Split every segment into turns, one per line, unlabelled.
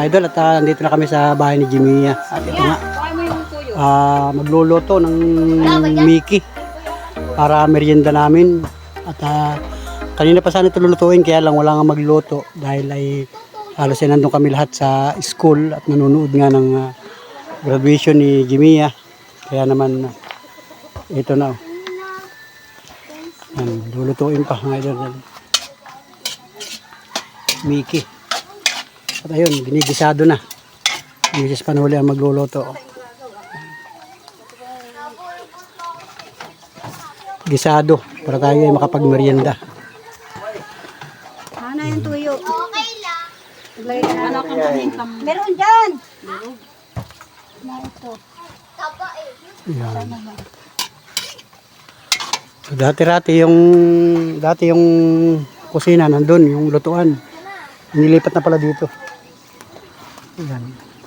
idol, at nandito na kami sa bahay ni Jimmy. At ito nga, magluluto ng Mickey para merienda namin. At kanina pa sana ito lulutuin, kaya lang wala nga magluto dahil ay halos ay nandun kami lahat sa school at nanonood nga ng graduation ni Jimmy. Kaya naman ito na. Lulutuin pa mga idol. Mickey. At ayun, ginigisado na. Mrs. Panuli ang magluluto. Gisado para tayo ay makapagmerienda.
Ano yung tuyo?
Okay lang.
Meron dyan. Na ito.
Taba eh.
Yan. So, dati yung kusina nandun, yung lutuan. Nilipat na pala dito. Yan.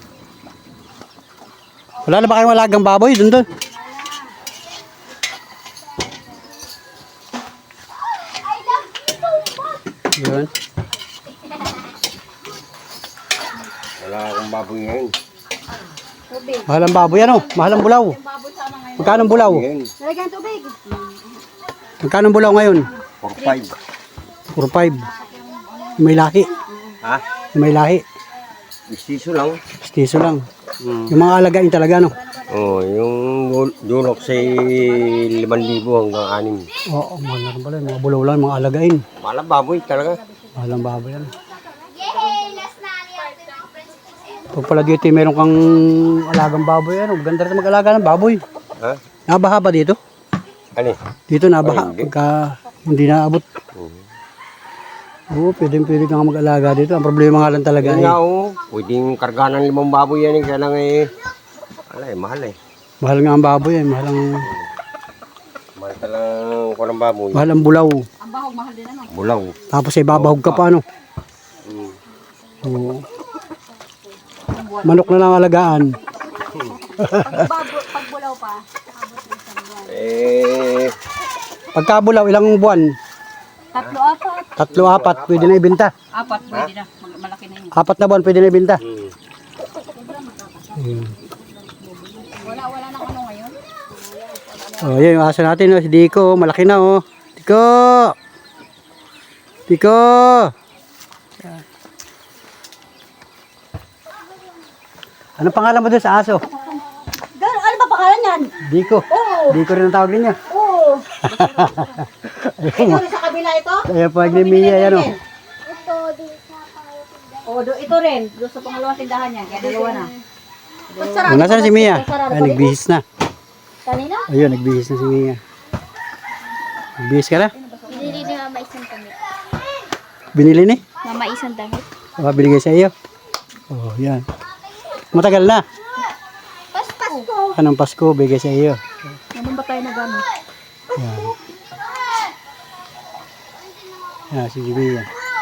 Wala na ba kayong alagang baboy dun? Yan.
Wala akong baboy ngayon.
Mahal ang baboy, ano? Mahal ang bulaw. Magkano ang bulaw?
Nalagyan tubig.
Magkano ang bulaw ngayon?
4-5.
4-5. May lahi.
Ha?
May lahi.
Istiso lang.
Stiso lang. Yung mga alagain talaga, no?
Oo, yung dulok sa 5,000 hanggang 6.
Oo, mahal na rin pala. Mga bulaw lang, mga alagain.
Mahal ang baboy talaga.
Mahal ang baboy yan.
Yay! Last na niya.
Pag pala dito, meron kang alagang baboy, ano? Maganda rin mag-alaga ng baboy.
Ha?
Nabaha ba dito?
Ano?
Dito nabaha.
Ay, hindi.
Pagka hindi naabot. Oo, pwede ka nga mag-alaga dito. Ang problema nga lang talaga
Yan
eh.
nga oh. Pwedeng karga ng 5 baboy yan eh. Kaya lang eh. Mahal eh.
Mahal nga ang baboy eh. Mahal
Mahal talang ko ng baboy.
ang bulaw.
Ang bahog, mahal din ano.
Bulaw.
Tapos ay babahog ka pa, ano? Oo. Manok na lang alagaan.
Pag bulaw pa.
Eh,
Pagkabulaw, ilang buwan?
3-4.
3-4, pwede na ibenta.
4, pwede na. Malaki na yun.
4 na buwan, pwede na ibenta.
Wala nang ano ngayon.
Oh, yun yung aso natin, oh, si Dico, malaki na, oh. Dico! Dico! Yan. Anong pangalan mo doon sa aso?
Ano ba pangalan yan?
Dico.
Oo.
Dico rin ang tawag ninyo.
Oo. Ito rin sa kabila ito?
Ayan po, ni Mia, yan, oh.
Ito, di sa pangalan.
Oo, ito rin. Doon sa pangalawang tindahan niya. Kaya dalawa na.
Oh, nasaan si Mia? Ay, nagbihis na.
Kanina?
Ayun, nagbihis na si Mia. Nagbihis ka na?
Binili ni Mama isang damit.
Binili ni?
Mama isang damit.
Oh, binigay sa iyo. Oh, yan. Matagal na.
Pasko.
Anong Pasko, bigay sa iyo.
Naman ba tayo na gano'n?
Yan. Yan, si Mia.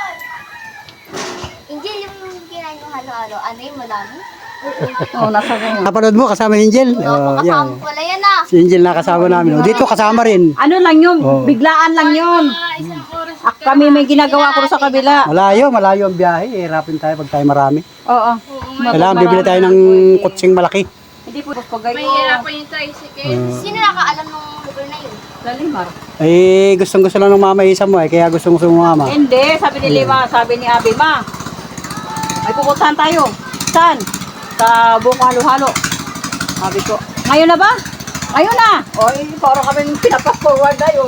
Angel, yung kinain yung halo-halo. Ano yung madami?
Oo, nasa ganyan.
Napanood mo, kasama ni Angel. Oh,
Kasama
yan.
pala yan ah.
Si Angel na kasama namin. Oh, dito kasama rin.
Ano lang yun?
Oo.
Biglaan lang yun. Kami may ginagawa ko sa kabila.
Malayo ang biyahe. Hirapin tayo pag tayo marami.
Oo.
Kailangan bibili tayo ng kutsing malaki.
Hindi po pagay ko.
Mahirapan yung tricycle.
Sino nakaalam ng lugar na yun?
Lalimar.
Eh, gustong-gusto lang ng mama isa mo eh. Kaya gustong-gusto mo mama.
Hindi, sabi ni Lima, sabi ni Abi, ma. Ay pupuntahan tayo. Saan? Sa buong halo-halo. Sabi ko, ngayon na ba? Ngayon na! O, parang kami pinapas-forward tayo.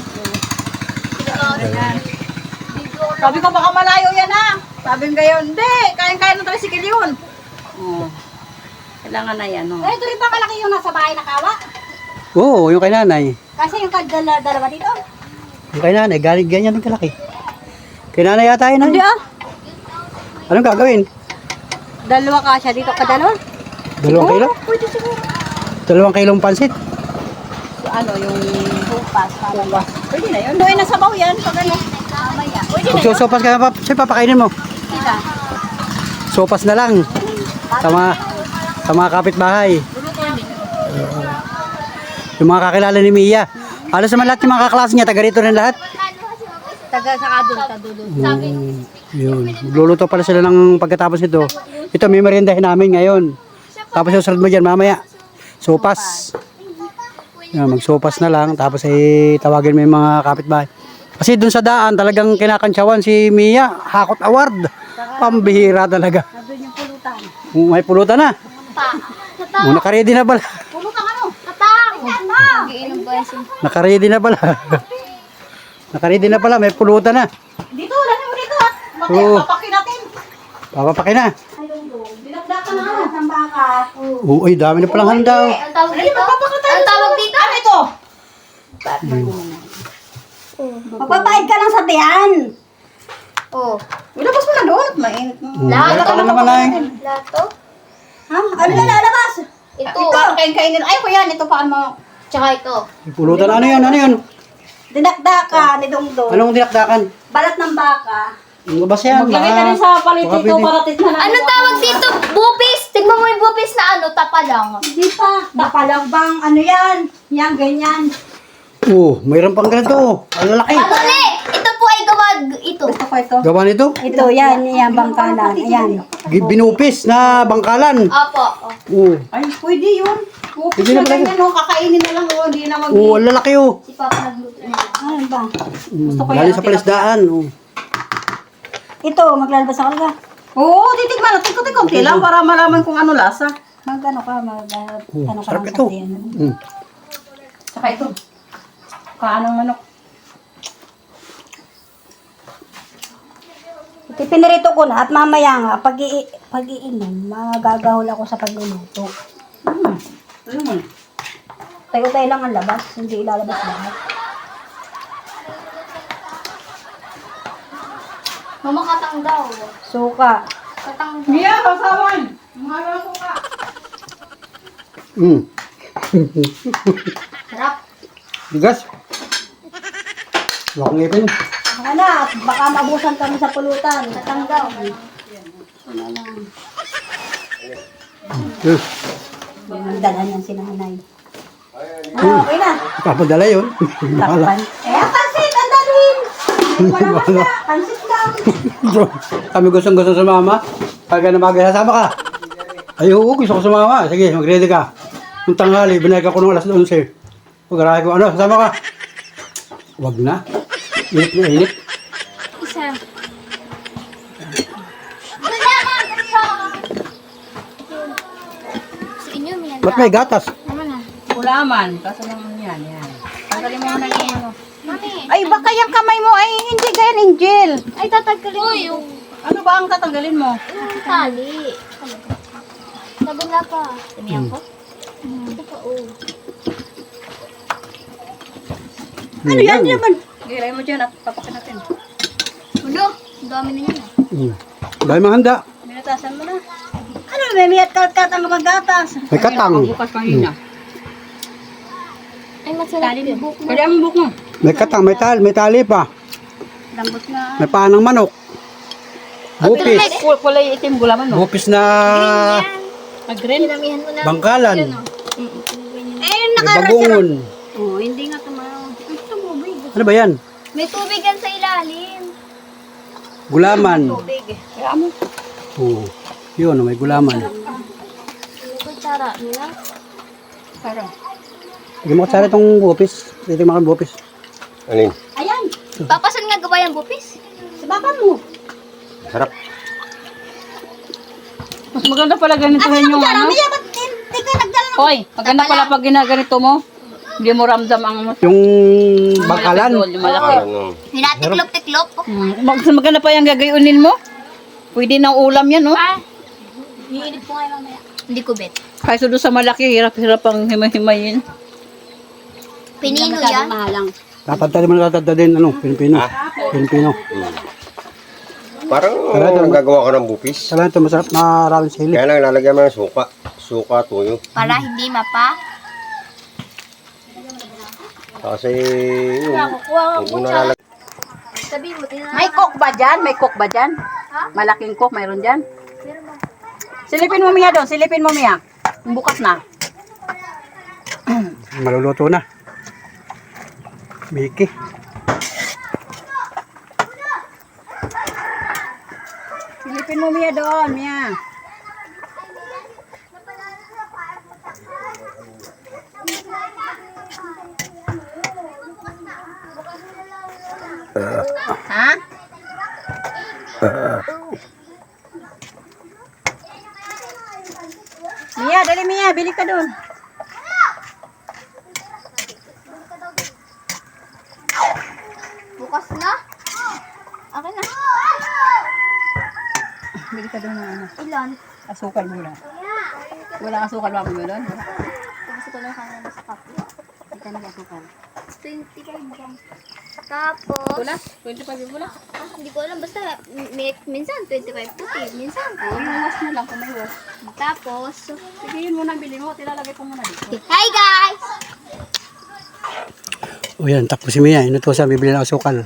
Sabi ko, baka malayo yan ha. Sabi ko ngayon, hindi, kaya-kaya ng tricycle yun. Oh. Kailangan na yan, no?
Ito rin pa kalaki yung nasa bahay na kawa.
Oo, yung kay nanay.
Kasi yung dalawa dito.
Yung kay nanay, galing ganyan din kalaki. Kay nanay yata yun.
Hindi ah.
Anong gagawin?
Dalawa kasya dito, kadalawa.
2 kilo?
Pwede siguro.
2 kilong pansit.
Ano, yung bupas. Pwede na yun. Doon na sabaw yan. Pag ano. Mamaya. Pwede na yun.
Magsusopas ka na, siya papakainin mo.
Sila.
Sopas na lang. Sa mga kapitbahay. Yung mga kakilala ni Mia. Halos naman lahat yung mga kaklase niya, taga rito rin lahat.
Taga sa kadun, kadulun.
Yun. Magluluto pala sila ng pagkatapos nito. Ito, may meriendahin namin ngayon. Tapos susunod mo dyan mamaya. Sopas. Yan, magsopas na lang. Tapos tawagin mo yung mga kapitbahay. Kasi dun sa daan, talagang kinakantsawan si Mia. Hakot award. Pambihira talaga.
Nandun yung pulutan.
May pulutan na.
Katang.
Nakaredy na pala.
Pulutan ano?
Katang. Nagiinom ba yung
Nakaredy na pala. Nakaredy na pala. May pulutan na.
Dito, lalo mo dito at
Oo.
papakin natin.
Papapakin na.
Dinagdakan na ano? Ng baka.
Uy, dami na palang handa.
Ang tawag dito? Ang tawag dito?
Ano ito? Magpapahid ka lang sa tiyan.
Oh.
Ilabas mo na doon. Mainit mo.
Lahat.
Wala ka na naman ay.
Lahat to?
Ha? Ano na lalabas?
Ito.
Kain-kainin. Ay, ko yan. Ito paano mo.
Tsaka ito.
May pulutan. Ano yun? Ano yun?
Dinakdakan ni Dongdong.
Anong dinakdakan?
Balat ng baka.
Ano ba siya?
Maglagay ka rin sa palit
Baka
dito
pwede.
para tignan natin.
Anong tawag dito? Bupis. Tingnan mo yung bupis na ano, tapa lang.
Hindi pa. Tapalang bang ano yan? Yan, ganyan.
Oh, mayroon pang ganito. Ang lalaki.
Mali! Ito po ay gawag ito.
Gusto ko ito.
Gawa nito?
Ito, yan. Yan, bangkalan. Ayan.
Binupis na bangkalan.
Opo.
Oh,
Ay, pwede yun.
Pwede na pala.
Ganyan, no? Kakainin na lang. Oh, hindi na mag...
oh, ang lalaki oh.
Si Papa nagluto na.
Ano ba?
Mm, galing sa palisdaan. Oh.
Ito, maglalabas ako ka.
Oo, titigman natin. Kunti-kunti lang para malaman kung ano lasa.
Mag-ano ka,
Oh,
ano ka
sarap
lang
ito.
sa tiyan.
Mm.
Saka ito. Kaanong manok.
Ito, pinirito ko na at mamaya nga, pag-iinom, magagahol ako sa pagluluto.
Ano mo?
Tayo-tayo lang ang labas, hindi ilalabas lahat.
Mama katang daw.
Suka.
Katang daw.
Mia, kasawan! Mahalo ko ka.
Mm.
Sarap.
Bigas. Wala kong ngipin.
Baka na, baka mabusan kami sa pulutan.
Katang daw.
Ano lang.
Eh,
Yan ang dala niyan si nanay. Okay na.
papadala yun.
Takpan. Eh, pansit, ang dalhin! Wala basta, pansit lang.
Kami gustong-gusto sumama. Pagka na mag-sasama ka. Ay, oo, gusto ko sumama. Sige, mag-ready ka. Yung tanghali, binayag ako ng alas 11. Pag-arahe ko, ano, sasama ka? Wag na. Init na init.
Isa. Sa inyo, may
Ba't may gatas?
Naman na.
Ulaman. Kaso naman yan. Yan. Tanggalin mo na yung ano.
Mami.
Ay, baka yung kamay mo ay hindi ganyan, Angel.
Ay, tatanggalin mo yung
Ano ba ang tatanggalin mo?
tali. Laban na pa. Tamihan ko? Ito pa, oh.
Ano yan
naman? Gilay mo dyan at papakin natin.
Ulo, ang dami na yan.
Dahil mahanda.
Minatasan mo na.
Ano, may miyat kalkat ang magatas.
May katang.
Bukas kanina.
Ay, masarap yung buhok mo.
Pwede ang buhok mo.
May katang, may tali pa.
Lambot na.
May panang manok. Bupis.
Kulay itim gulaman mo.
Bupis na
Mag-green.
Pinamihan mo na.
bangkalan.
Eh,
May bagungon.
oh, hindi nga tumayo.
Ano ba yan?
May tubig yan sa ilalim.
Gulaman.
Kaya mo.
Oo. Yun, may gulaman.
Ano ko tsara nila?
Parang.
Hindi mo kasara itong bupis. Dito yung bupis.
Alin?
Ayan,
Papa, saan nga gawa yung bupis?
sa baka mo.
Sarap.
Mas maganda pala ganituhin yung ano.
Kaya ba't hindi ka nagdala ng...
Hoy, maganda pala pag ginaganito mo. Hindi mo ramdam ang
Yung bangkalan.
yung malaki.
Ano?
Hinatiklop-tiklop.
Maganda pa yung gagayunin mo. Pwede ng ulam yan, no?
Ah. Hihinip ko ngayon mamaya. Hindi ko bet.
Kaysa doon sa malaki, hirap-hirap ang himay-himayin.
Pinino yan.
Mahalang.
Tatadtad mo na tatadtad din. Ano? Pilipino. Pilipino.
Parang
Sarap.
nagagawa ka ng bupis.
Kailangan ito masarap. Maraming sili.
Kaya lang lalagyan mo ng suka. Suka, tuyo.
Para hindi mapa.
Kasi yung
Kukuha ka
huwag
po
mo
siya.
nalalagyan.
Sabihin mo, tinanong.
May cook ba dyan? May cook ba dyan? Malaking cook, mayroon dyan? Silipin mo Mia doon, silipin mo Mia. Bukas na.
Maluluto na. Miki.
Silipin mo Mia doon, Mia.
Ha?
Mia, dali Mia, bili ka doon.
Bukas na? Akin na.
Bili ka doon ng ano,
Ilan?
asukal muna. Walang asukal ba mo doon?
Gusto ko lang kanina sa kape.
Ito na asukal.
25 lang. Tapos,
Pula? 25 yung pula?
hindi ko alam. Basta, minsan 25 puti. Minsan
Yung wash mo lang kung may wash.
Tapos,
Sige, yun muna bili mo. Tilalagay ko muna dito.
hi guys!
O yan, takbo si Mia. Inutusan, bibili ng asukal.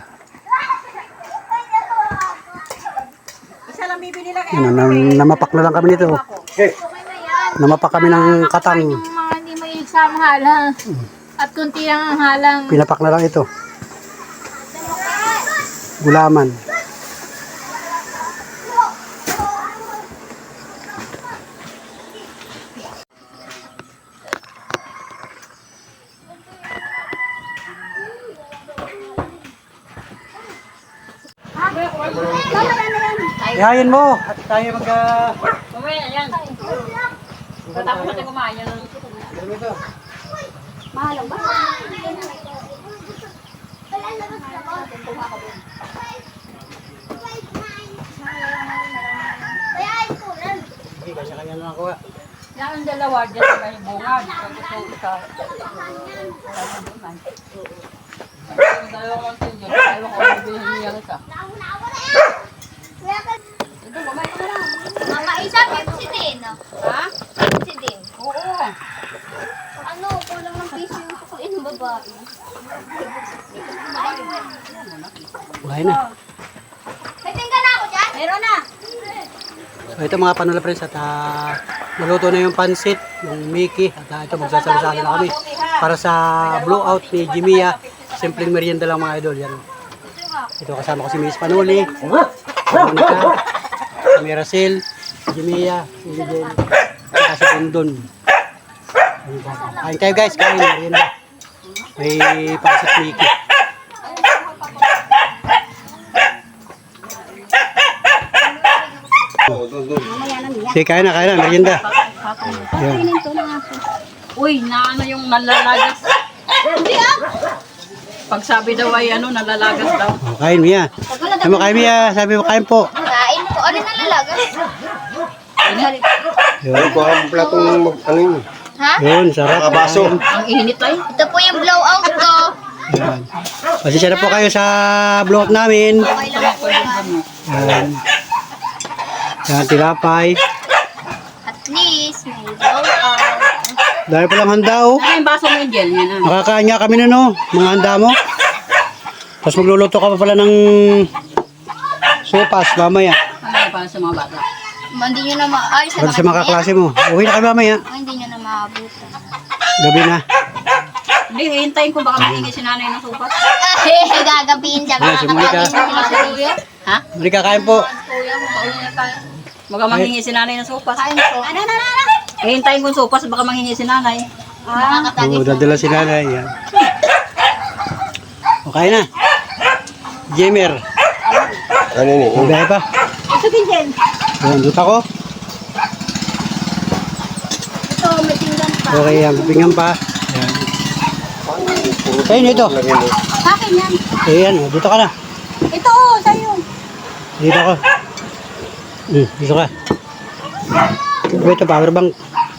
Isa lang bibili lang.
Yan, namapak na lang kami nito. Namapak kami ng katang.
Yung mga hindi mahilig sa mahalang. At kunti lang ang halang.
Pinapak na lang ito. Gulaman. Ihayin mo at tayo mag...
Mamaya, ayan. Patapos natin kumain yan.
Mahalang ba?
Sige, kasi kanya na ako.
Yan ang dalawa dyan sa may bungad. Pag gusto ko isa. Yung dalawang tingin, tayo ko bibili niya isa. Ito, kumain ka lang.
Mama, isa, Pepsi din.
Ha?
Pepsi din.
Oo.
Ano, kulang ng piso yung kukuin ng babae.
Buhay na.
May tingga na ako dyan?
Meron na.
So ito mga panula friends at naluto na yung pansit, yung Mickey at ito magsasalo-salo na kami para sa blowout ni Jimia. Simpleng merienda lang mga idol yan. Ito kasama ko si Miss Panuli, si Monica, si Miracel, si Jimia, si Lidel, at si Pundon. Kain kayo guys, kain merienda. May pansit Mickey. Sige, kain na, merienda. Yan.
Uy, naano yung nalalagas. Pag sabi daw ay ano, nalalagas daw.
Oh, kain Mia. Sabi mo kain Mia, sabi mo kain po.
Kain po. Ano nalalagas?
Yun,
Ko ang platong ano yun.
Ha?
yun sarap.
Nakabaso.
Ang init ay.
Ito po yung blowout ko.
Yan. Pasensya na po kayo sa blowout namin.
Okay lang po yan.
Yan. Yan, tilapay.
At least, may blowout.
Dahil pa lang handa oh.
Ano yung baso mo yung gel? Yan ah.
Makakain nga kami na no, mga handa mo. Tapos magluluto ka pa pala ng sopas mamaya.
Ano para sa mga bata?
Hindi nyo na maayos
Para sa mga kaklase mo. Uwi na kayo mamaya.
Hindi nyo na maabutan.
Gabi na.
Hindi, hintayin ko baka mahingi si nanay ng supas.
Gagabihin siya.
Ayan, si Monica.
Ha?
Muli kakain po.
Baka manghingi si nanay ng supas.
Kain po. Ano?
Hintayin ko yung supas, baka manghingi si nanay.
Oo, dadala si nanay. Yan. Okay na. Gamer.
Ano yun eh.
Mabihay pa.
Ito din gel.
Ayan, duta ko.
Ito, may tinggan pa.
Okay, yan. Pipingan pa. Ayan. Sa'yo ito.
Lagyan mo.
Sa akin yan.
Ayan, dito ka na.
Ito, oh, sa'yo.
Dito ka. Dito ka. Ito, power bank.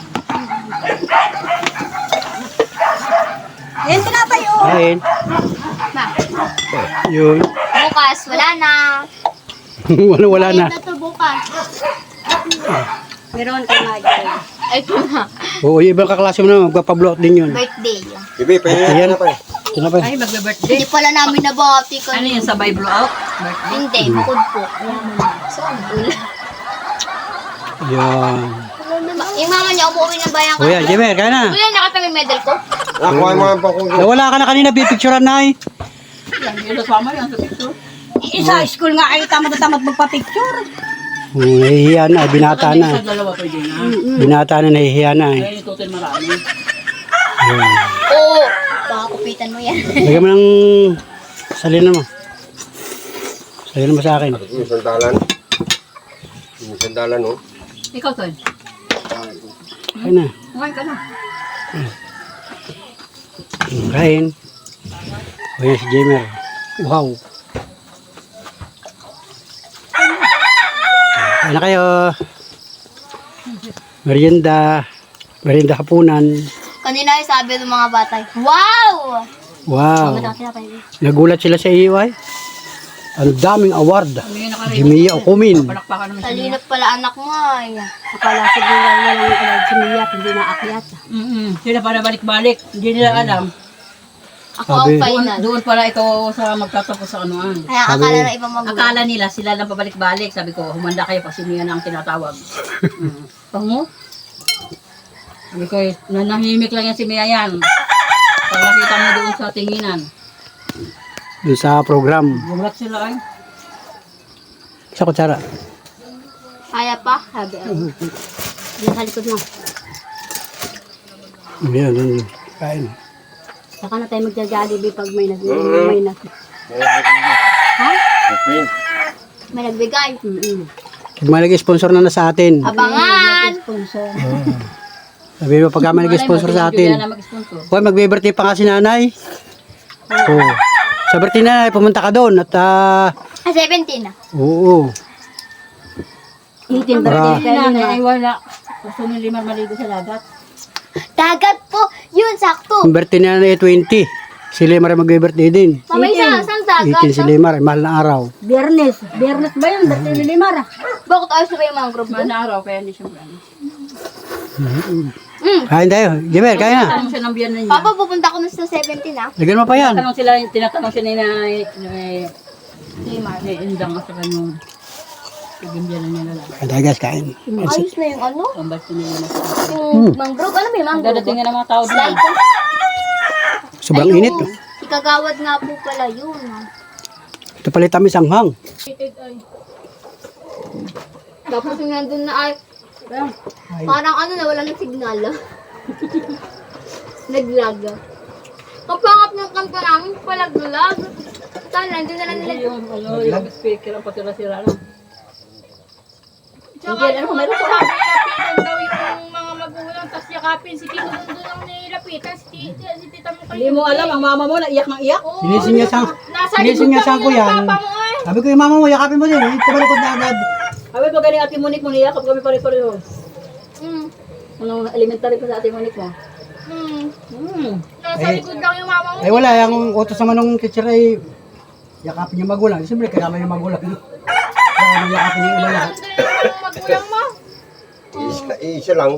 Yan, tinapay, oh.
Kain.
Ma,
Yun.
bukas, wala na.
Wala na.
Ito to bukas.
Meron kay Michael.
Ito na.
Oo, yung ibang kaklase mo na, magpapablock din yun.
Birthday.
Bibi, pahinga
Ayan.
na pa eh.
Ito na pa.
Ay, magbe-birthday.
Hindi pala namin nabati ko.
Ano yun, sabay blowout?
Hindi, bukod po. So,
Yan.
yung mama niya umuwi ng bayan
O yan, Jemer, kaya na.
Kuya, nakita mo yung medal ko?
Nakuha mo ang pangkong.
Nawala ka na kanina, pipicturean na eh.
Yan, yun sa mama yan sa picture.
Sa school nga ay tamad-tamad magpa-picture.
Nahihiya na, binata
Sa
na.
dalawa pwede na.
Binata na, nahihiya na eh.
Ay, itutin marami.
Ayan.
Oo. Baka kupitan mo yan.
Lagyan mo ng salinan mo. Sa'yo naman sa akin.
Sabi ko yung sandalan. Yung sandalan, oh.
Ikaw, Ton.
Kain na.
Kumain ka na.
Kain. O yan si Jamer. Wow. Kain na kayo. Merienda. Merienda hapunan.
Kanina yung sabi ng mga bata, wow!
Wow.
Tinapay.
Nagulat sila sa iyo ay. Ang daming award.
Hindi na ka
Jimmy Okumin.
Palakpakan naman siya.
Talinap pala anak mo ay.
Akala siguro walang alay si Mia, hindi naakyat.
Sila para balik-balik. Hindi nila alam.
Ako ang
Sabi-
final.
Doon pala ito sa magtatapos sa anuan.
Kaya
Sabi-
akala ng ibang magulang.
Akala nila sila lang pabalik-balik. Sabi ko, humanda kayo pag siniya na ang tinatawag. Pango? Sabi ko, nanahimik lang yan si Mia yan. Pag nakita mo doon sa tinginan.
Doon sa program.
Gulat sila ay.
Sa kutsara.
Kaya pa? Sabi ako. Yan sa likod mo.
Yan, yan. Kain.
Saka na tayo magja-jollibee pag may may nag.
Okay.
May nagbigay.
May nag-sponsor na sa atin.
Abangan!
Sponsor.
Sabi mo, pagka may nag-sponsor sa atin.
Mag-sponsor.
Hoy, magbe-birthday pa nga si nanay. Oo. Sa birthday na nanay, pumunta ka doon. At,
17 na.
oo.
18
Para-
Si nanay ay wala. Gusto ni Limar maligo sa dagat.
Dagat po! Yun, sakto!
Ang birthday na nanay ay 20. Si Lemar ay magbe-birthday din.
Mamay saan dagat?
18 si Lemar, ay mahal na araw.
Biyernes. Biyernes ba yun? Dati ni Limara.
Bakit ayos na ba yung mangrove doon?
Mana araw, kaya hindi siya maano.
Kain tayo. Jemer, kain na.
Tanong siya ng biyanan niya.
Papa, pupunta ko na sa 17 na.
Lagyan mo pa yan.
Tinatanong siya ni Indang at saka yung biyanan niya lalaki.
Kain tayo guys, kain.
Ayos na yung ano?
Ang ba't nila na
Yung mangrove. Ano ba yung mangrove?
dadating nga ng mga tao doon.
Sobrang init. Oh.
Ikagawad nga po pala yun.
Ito pala tamis ang hang.
Tapos yung nandun na ay, parang ano na, wala ng signal. Naglag. Kapangap ng kanta namin, palaglag. Sana, hindi na lang nila.
Yung speaker ang patira-sira lang.
Tsaka ano, meron ko sabi, lapitan daw yung mga magulang, tapos yakapin si Tito doon ang nilapitan, si Tita mo kayo.
Hindi mo alam, ang mama mo naiyak ng iyak.
Sinisinyasan ko yan. Sabi ko yung mama mo, yakapin mo din. Tumalikod na agad.
Sabi pag galing Ate Monique mo, niyakap kami pare-pareho. Anong elementary pa sa Ate Monique mo?
Nasa likod lang yung mama mo.
Ay wala, yung utos naman ng teacher ay yakapin yung magulang. Siyempre, kailangan yung magulang. Kaya yakapin yung iba lahat.
Yung magulang mo.
Isa lang.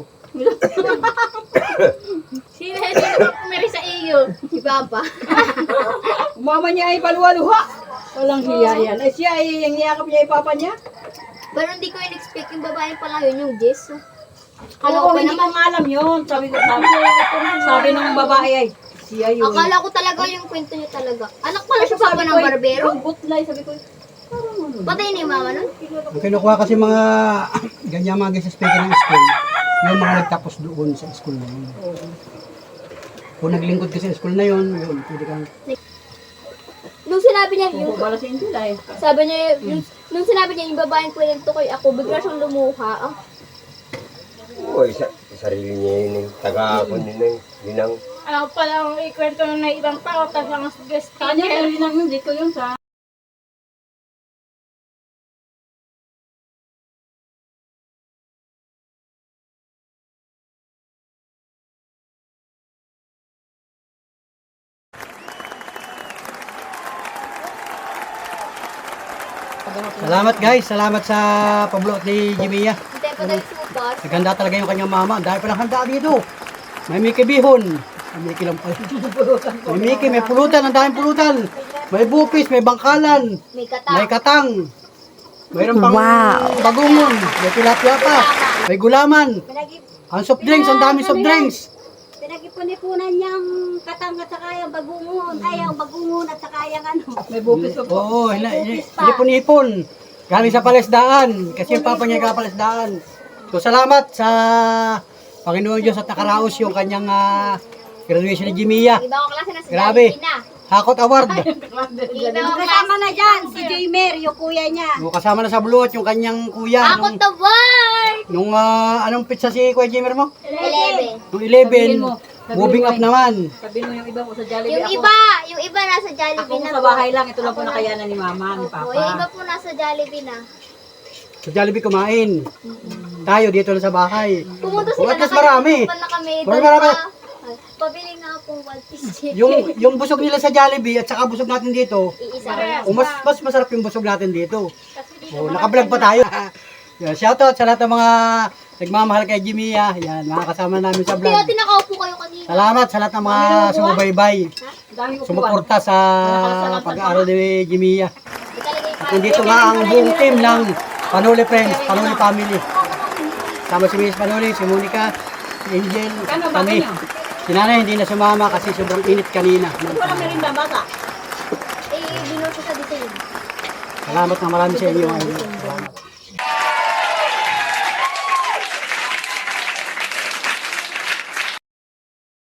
Sino ba kumiri sa iyo? Si Papa.
Mama niya ay paluwa-luha. Walang hiya yan. Eh siya ay yung niyakap niya ay papa niya.
Pero hindi ko in-expect yung babae pala yun, yung Jess. Akala
Oo,
ko pa
hindi ko
naman.
nga alam yun. Sabi ng babae ay, siya yun.
Akala ko talaga yung kwento niya talaga. Anak pala siya Papa ng barbero.
Yung butlay, sabi ko,
Patay na yung mama nun.
Ang kinukuha kasi mga ganyan mga guys sa speaker ng school, yung mga nagtapos doon sa school na yun. Kung naglingkod ka sa school na yun, pwede kang...
Nung sinabi niya, yung,
bala si Angela eh.
sabi niya, nung sinabi niya yung babaeng kwento ko'y ako, bigla siyang lumuha. Ah,
Oo, sarili niya yun eh. Taga-akon din eh. Binang.
ako pala ang ikwento ng ibang tao, tapos ang guest
Kanya, pero yun ang yun, dito yun sa...
Salamat guys, salamat sa pablot ni Jimia.
Hindi pa tayo supas.
Naganda talaga yung kanyang mama. Dahil palang handa dito. May Mickey Bihon. May Mickey lang pala. May Mickey, may pulutan. Ang daming pulutan. May bupis, may bangkalan.
May kata.
May katang. Mayroon pang bagungon. May tilapia pa. May gulaman. Ang soft drinks, ang daming soft drinks.
Pinag-ipon-ipunan niyang katang at saka yung bagungon. Ay, yung bagungon at saka yung ano.
May bupis pa po.
Oo, hinipon-hipon. Galing sa palesdaan. Kasi yung papa niya palesdaan. So salamat sa Panginoon Diyos at nakaraos yung kanyang graduation ni Jimia.
Ibang klase na sa
Grabe.
Jollibee na.
Hakot Award.
Kasama na dyan, si Jamer, yung kuya niya.
O, kasama na sa Buluot yung kanyang kuya.
Ako the word!
Nung anong pizza si Kuya Jimmer mo?
11.
Nung
Sabihin
11,
mo.
moving up naman.
Sabihin mo yung iba ko sa Jollibee.
Yung iba nasa Jollibee
Ako
na
sa
po.
bahay lang. Ito lang po nakayanan ni Mama, ni
Opo, yung iba
Papa.
po nasa Jollibee na.
Sa Jollibee kumain. Tayo dito lang sa bahay.
Pumunta
Oh,
sila
at least marami.
na kami.
Marami.
Pabili nga po 1 piece chicken.
Yung busog nila sa Jollibee at saka busog natin dito,
Iisa.
mas masarap yung busog natin dito. Oh, naka-vlog pa tayo. Yeah, shoutout sa lahat ng mga nagmamahal kay Jimmy. Yan, mga kasama namin sa
Hindi
vlog.
natin nakaupo kayo kanina.
Salamat sa lahat ng mga sumubaybay,
Dami ko
sumuporta sa pag-aaral ni Jimmy.
Ikalagay pa.
Nandito nga ang buong team ng Panuli Friends, Panuli Family. Sama si Miss Panuli, si Monica, si Angel, kami. Si Nanay hindi na sumama kasi sobrang init kanina.
Walang merinda, bata.
Eh, binuto sa design.
Salamat na marami sa inyo. Salamat.